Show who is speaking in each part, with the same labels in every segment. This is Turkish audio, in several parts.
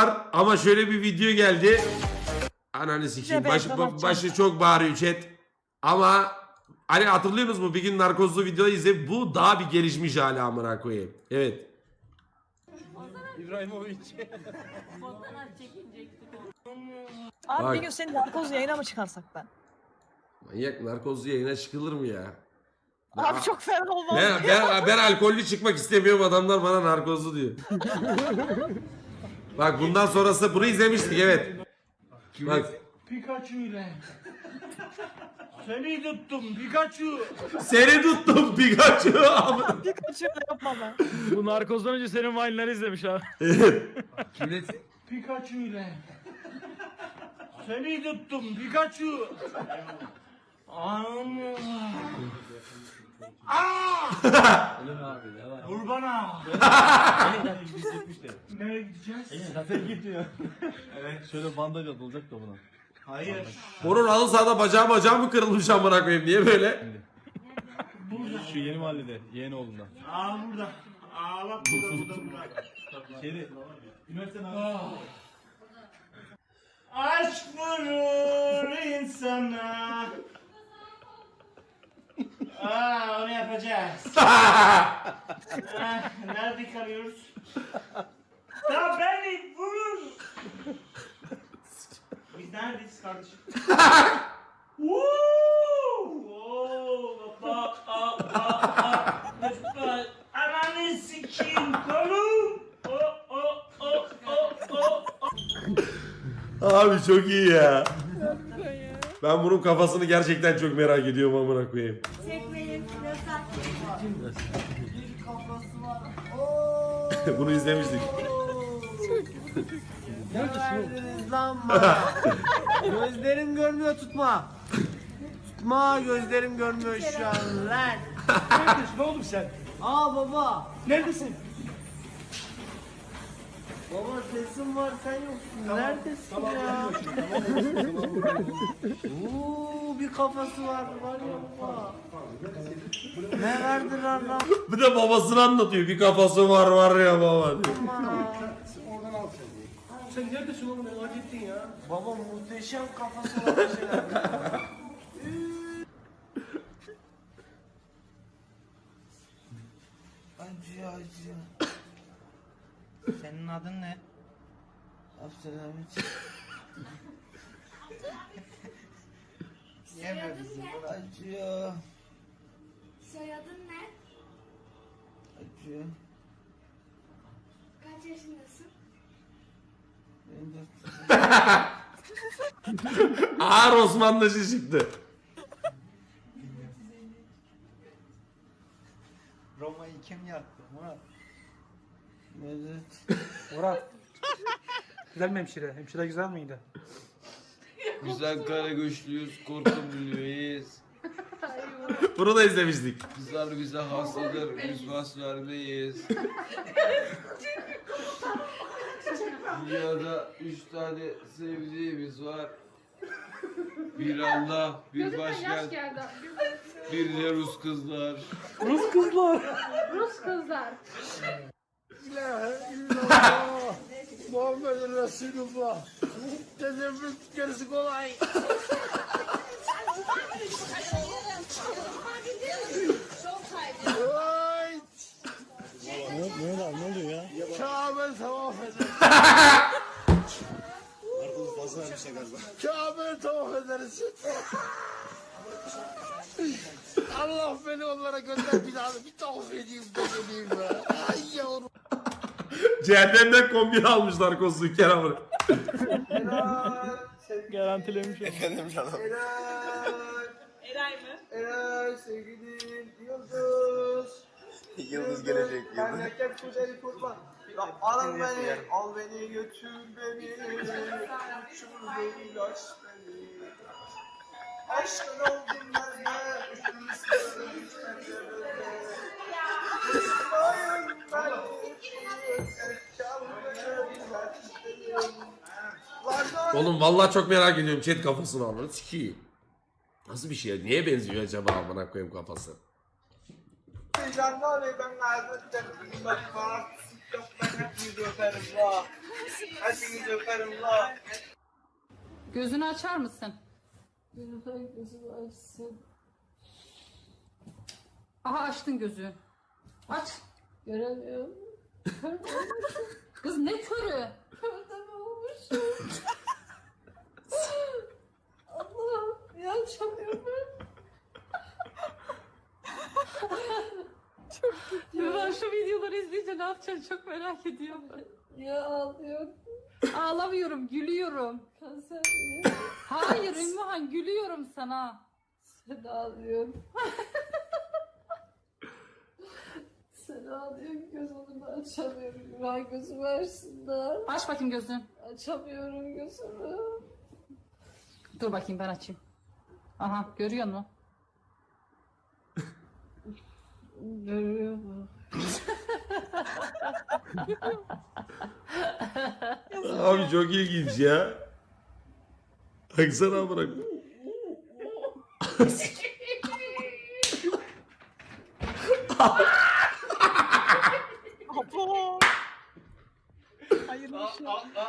Speaker 1: var ama şöyle bir video geldi. Ananı sikeyim. Başı çok bağırıyor chat. Ama hani hatırlıyorsunuz mu? Bir gün narkozlu videoda izleyip bu daha bir gelişmiş hali amına koyayım. Evet.
Speaker 2: İbrahimovic.
Speaker 3: Abi
Speaker 1: Bak.
Speaker 3: bir gün seni narkoz yayına mı çıkarsak ben?
Speaker 1: Manyak narkozlu yayına çıkılır mı ya?
Speaker 3: Abi çok fena olmaz.
Speaker 1: Ben alkollü çıkmak istemiyorum, adamlar bana narkozlu diyor. Bak bundan sonrası bunu izlemiştik evet. Bak.
Speaker 2: Pikachu ile. Seni tuttum Pikachu.
Speaker 1: Seni tuttum Pikachu.
Speaker 3: Bir kaçıyor da yapma ben.
Speaker 4: Bu narkozdan önce senin Vine'ları izlemiş abi.
Speaker 2: Pikachu ile. Seni tuttum Pikachu. Vur bana. Nereye gideceğiz?
Speaker 5: Zaten gitmiyor. Evet. Şöyle bandaj atılacak da buna.
Speaker 2: Hayır.
Speaker 1: Onun halı sahada bacağı mı kırılmış amına koyayım, niye böyle?
Speaker 5: Şu yeni mahallede, yeğeni oğlunda.
Speaker 2: Burada. Bak burada.
Speaker 5: Şeyde, üniversiteden
Speaker 2: Aşk vurur insana. Onu yapacağız. Nerede kalıyoruz? Ya beni vur. Biz neredeyiz kardeşim? Ananı sikeyim kolum.
Speaker 1: Abi çok iyi ya. Ben bunun kafasını gerçekten çok merak ediyorum amına koyayım. Bunu izlemiştik.
Speaker 6: Gözlerim görmüyor, tutma. Tutma, gözlerim görmüyor şu an lan.
Speaker 2: Neredesin oğlum sen?
Speaker 6: Aa baba.
Speaker 2: Neredesin?
Speaker 6: Baba sesim var, sen yoksun. Neredesin ya? Bir kafası var ya baba. Ne verdiler lan
Speaker 1: Bir de babasını anlatıyor. Bir kafası var ya baba diyor.
Speaker 6: bana?
Speaker 2: Sen neredesin oğlum, merak ettin ya.
Speaker 6: Baba muhteşem kafası var bir şeyler.
Speaker 7: Acı. Senin adın ne? Abdülhamit.
Speaker 8: Soyadın ne?
Speaker 7: Acı.
Speaker 8: Soyadın ne?
Speaker 7: Acı.
Speaker 8: Kaç yaşındasın?
Speaker 7: Benim
Speaker 1: Ağır Osmanlıcı çıktı.
Speaker 7: Roma'yı kim yaktı? Murat.
Speaker 4: Murat. Güzel mi hemşire? Hemşire güzel miydi?
Speaker 7: Güzel kara güçlüyüz, korkumluyuz.
Speaker 1: Bunu da izlemiştik.
Speaker 7: Kızlar bize hastadır, biz bas vermeyiz. Dünyada 3 tane sevdiğimiz var. Bir Allah, bir başkent, bir de Rus kızlar.
Speaker 4: Rus kızlar.
Speaker 8: Rus kızlar.
Speaker 6: Muhammed Resulullah. Tezevvüz gerisi kolay.
Speaker 5: Ne oluyor ya?
Speaker 6: Kabe tavaf ederiz. Kabe tavaf ederiz. Allah beni onlara gönder, bir daha da bir tavaf edeyim de geleyim be. Ay yavrum.
Speaker 1: Cehennemden kombin almışlar kozu Kerem'in.
Speaker 4: Garantilemiş onu.
Speaker 5: Efendim canım.
Speaker 3: Eray mı?
Speaker 6: Eray sevgilim Yıldız.
Speaker 5: Yıldız gelecek, yıldız.
Speaker 6: Memleket güzeli kurban. Al beni, al beni götür beni. Uçur beni, aç beni. Aşkın oldum ben de. Üstüne İsmail ben.
Speaker 1: Oğlum vallahi çok merak ediyorum chat kafasını amına sikeyim. Nasıl bir şey? Niye benziyor acaba amına koyayım kafası?
Speaker 6: Jandarmayı ben nerede? Yok ben hepinizi öperim la. Hepinizi öperim la.
Speaker 8: Gözünü açar mısın?
Speaker 9: Gözümü açsın.
Speaker 8: Aha açtın gözü. Aç.
Speaker 9: Göremiyorum.
Speaker 8: Kız ne körü?
Speaker 9: Körde mi olmuşum? Allah'ım ya açamıyorum ben.
Speaker 8: Ben şu videoları izleyince ne yapacaksın çok merak ediyorum.
Speaker 9: Ya ağlıyorum.
Speaker 8: Ağlamıyorum, gülüyorum.
Speaker 9: Kanser mi?
Speaker 8: Hayır Ümmühan, gülüyorum sana.
Speaker 9: Sen ağlıyorsun. Sen ağlıyorsun, gözümü açamıyorum. Ben gözümü açsınlar.
Speaker 8: Aç bakayım gözünü.
Speaker 9: Açamıyorum gözümü.
Speaker 8: Dur bakayım ben açayım. Aha görüyor musun?
Speaker 9: Görüyor mu?
Speaker 1: Abi çok ilginç ya. Baksana bırak.
Speaker 3: Apo. Hayırlı işler.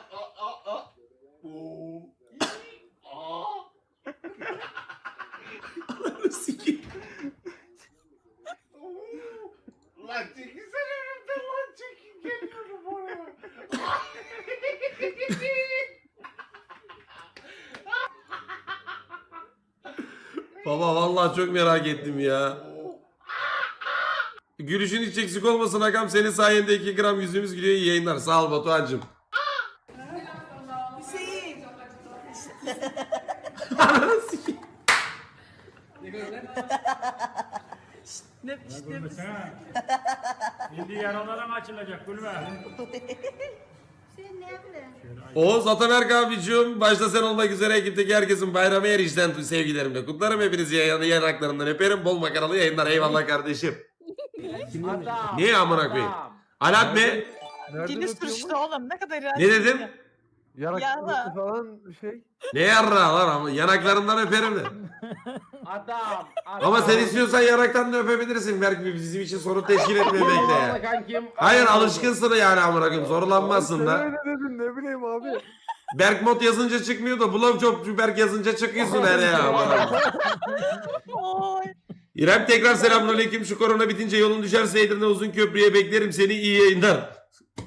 Speaker 1: Sikeyim.
Speaker 6: Lan çekilsene önümden lan çekin geliyorum oraya.
Speaker 1: Baba vallahi çok merak ettim ya. Gülüşün hiç eksik olmasın Hakan. Senin sayende 2 gram yüzümüz gülüyor. İyi yayınlar. Sağ ol Batuhan'cım. Ananı sikeyim.
Speaker 2: Şimdi yaralarım açılacak gülme.
Speaker 1: Oğuz Ataberk abicim, başta sen olmak üzere ekipteki herkesin bayramı her işten sevgilerimle kutlarım. Hepinizi yanaklarından öperim. Bol makaralı yayınlar. Eyvallah kardeşim. Niye amına koyayım? Alat ne?
Speaker 3: Dili sürçtü oğlum ne kadar iğrenç.
Speaker 1: Ne dedim?
Speaker 3: Yarra.
Speaker 5: falan şey.
Speaker 1: Ne yarra lan ama yanaklarından öperim de.
Speaker 5: Adam.
Speaker 1: Ama sen istiyorsan yanaktan da öpebilirsin. Belki bizim için sorun teşkil etmemekte ya. Hayır alışkınsın yani amına koyayım. Zorlanmazsın da.
Speaker 5: Öyle dedin ne bileyim abi.
Speaker 1: Berk mod yazınca çıkmıyor da Blowjob Berk yazınca çıkıyorsun her ya.
Speaker 3: Oy.
Speaker 1: İrem tekrar selamünaleyküm. Şu korona bitince yolun düşerse Edirne uzun köprüye beklerim seni. İyi yayınlar.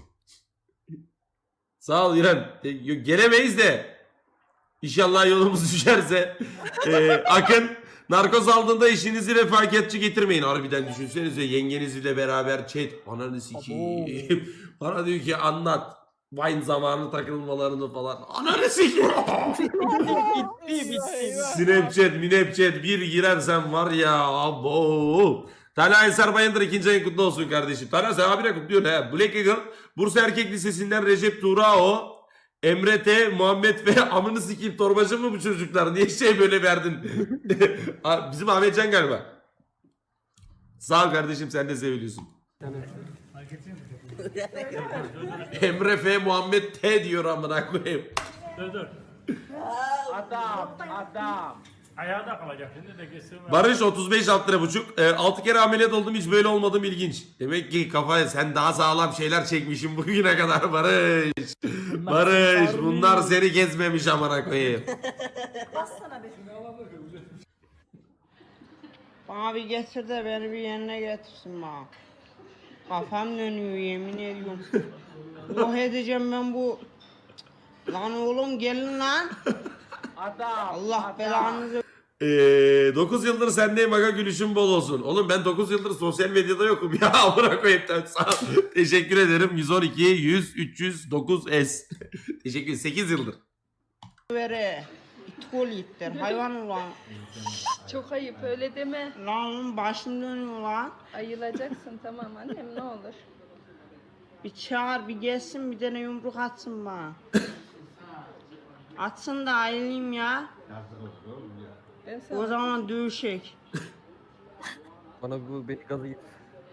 Speaker 1: Sağ ol İrem. Gelemeyiz de. İnşallah yolumuz düşerse. Akın narkoz aldığında eşinizi refakatçi getirmeyin. Harbiden düşünsenize yengenizle beraber chat. Ananı sikeyim. Bana diyor ki anlat. Vine zamanı takılmalarını falan. Ananı sikeyim. Snapchat bir girersen var ya abo. Talha Eser Bayındır 2. ayın kutlu olsun kardeşim. Talha sen abine kutluyorsun he. Black Eagle Bursa Erkek Lisesi'nden Recep Tuğrao. Emre T, Muhammed ve amını sikeyim torbacı mı bu çocuklar? Niye şey böyle verdin? Bizim Ahmetcan galiba. Sağ ol kardeşim sen de seviliyorsun. Emre F, Muhammed T diyor amına koyayım.
Speaker 2: Dur.
Speaker 5: Adam.
Speaker 2: Ayağda kalacak şimdi de kesin.
Speaker 1: Barış 35 alt lira buçuk. 6 kere ameliyat oldum hiç böyle olmadım ilginç. Demek ki kafaya sen daha sağlam şeyler çekmişsin bugüne kadar Barış. Barış bunlar seni gezmemiş amına koyayım.
Speaker 10: Bana bir getir de beni bir yerine getirsin bana. Kafam dönüyor yemin ediyorum. Yok edeceğim ben bu. Lan oğlum gelin lan.
Speaker 5: Adam.
Speaker 10: Allah belanızı.
Speaker 1: 9 yıldır sendeyim aga gülüşün bol olsun. Oğlum ben 9 yıldır sosyal medyada yokum ya amına koyayım. Sağ ol. Teşekkür ederim. 112 100 309 S. Teşekkür ederim. 8 yıldır.
Speaker 10: Vere. İtkol ittir hayvan ulan.
Speaker 8: Çok ayıp öyle deme.
Speaker 10: Lan oğlum başım dönüyor lan.
Speaker 8: Ayılacaksın tamam annem ne olur.
Speaker 10: Bir çağır bir gelsin bir tane yumruk atsın bana. Atsın da ayrılayım ya.
Speaker 8: Ben sana...
Speaker 10: O zaman dövüşek.
Speaker 5: Bana bu beni gazı git.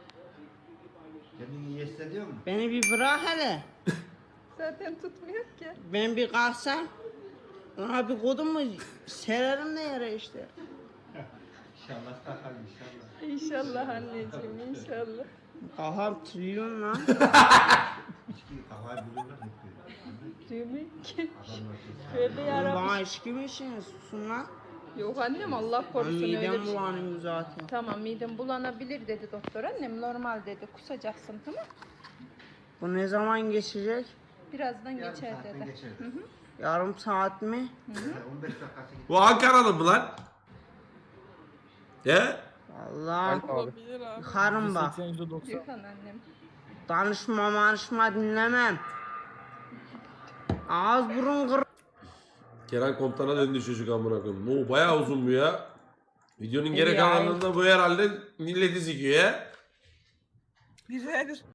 Speaker 10: Beni bir bırak hele.
Speaker 8: Zaten tutmuyor ki.
Speaker 10: Ben bir kalksam. Ona bir kodum mu sererim de yere işte.
Speaker 8: İnşallah anneciğim inşallah.
Speaker 10: Kafam trilyon lan.
Speaker 9: Demek ki. Tövbe
Speaker 10: Oğlum
Speaker 9: yarabbim.
Speaker 10: bana içki mi içiniz? Susun lan.
Speaker 9: Yok annem Allah korusun öyle
Speaker 10: Midem
Speaker 9: bir şey.
Speaker 10: bulanıyor zaten.
Speaker 9: Tamam midem bulanabilir dedi doktor annem normal dedi kusacaksın tamam.
Speaker 10: Bu ne zaman geçecek?
Speaker 9: Birazdan geçer dedi. Hı hı.
Speaker 10: Yarım saat mi?
Speaker 1: Bu Ankaralı mı lan? He?
Speaker 10: Allah. Yıkarım bak.
Speaker 9: Yıkan annem.
Speaker 10: Danışma dinlemem. Ağız burun kır.
Speaker 1: Kenan Komutan'a döndü çocuk amına koyayım. Oo bayağı uzun bu ya. Videonun geri
Speaker 10: Ya.
Speaker 1: kalanında bu herhalde milleti sikiyor ya.
Speaker 3: Güzeldir.